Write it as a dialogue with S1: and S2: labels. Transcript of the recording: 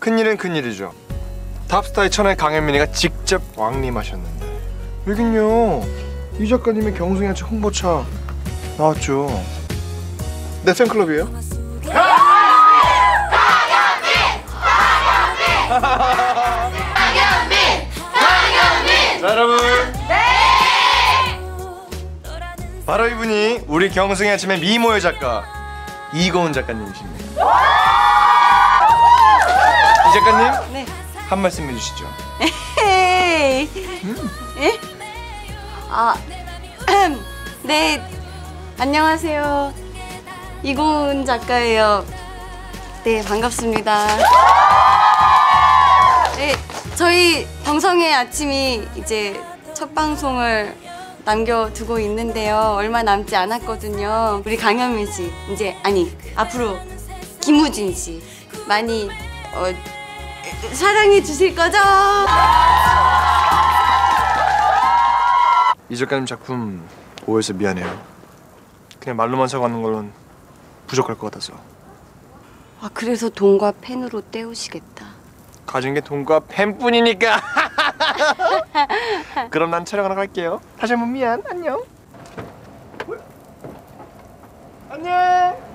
S1: 큰일은 큰일이죠. 탑스타의 천하의 강현민이가 직접 왕림하셨는데 여긴요 이 작가님의 경성야채 홍보차 나왔죠. 내 팬클럽이에요? 강현민! 자, 여러분! 네! 바로 이분이 우리 경성의 아침의 미모의 작가 이고은 작가님이십니다. 이 작가님?
S2: 네.
S1: 한 말씀 해주시죠.
S2: 예? 네. 안녕하세요. 이고은 작가예요. 네, 반갑습니다. 네, 저희 경성의 아침이 이제 첫 방송을 남겨두고 있는데요. 얼마 남지 않았거든요. 우리 강현민 씨, 이제 앞으로 김우진 씨 많이 사랑해 주실 거죠?
S1: 이 작가님 작품 오해해서 미안해요. 그냥 말로만 사과하는 걸로는 부족할 것 같아서.
S2: 아, 그래서 돈과 펜으로 때우시겠다.
S1: 가진 게 돈과 펜뿐이니까. 그럼 난 촬영하러 갈게요. 다시 한번 미안. 안녕. 안녕.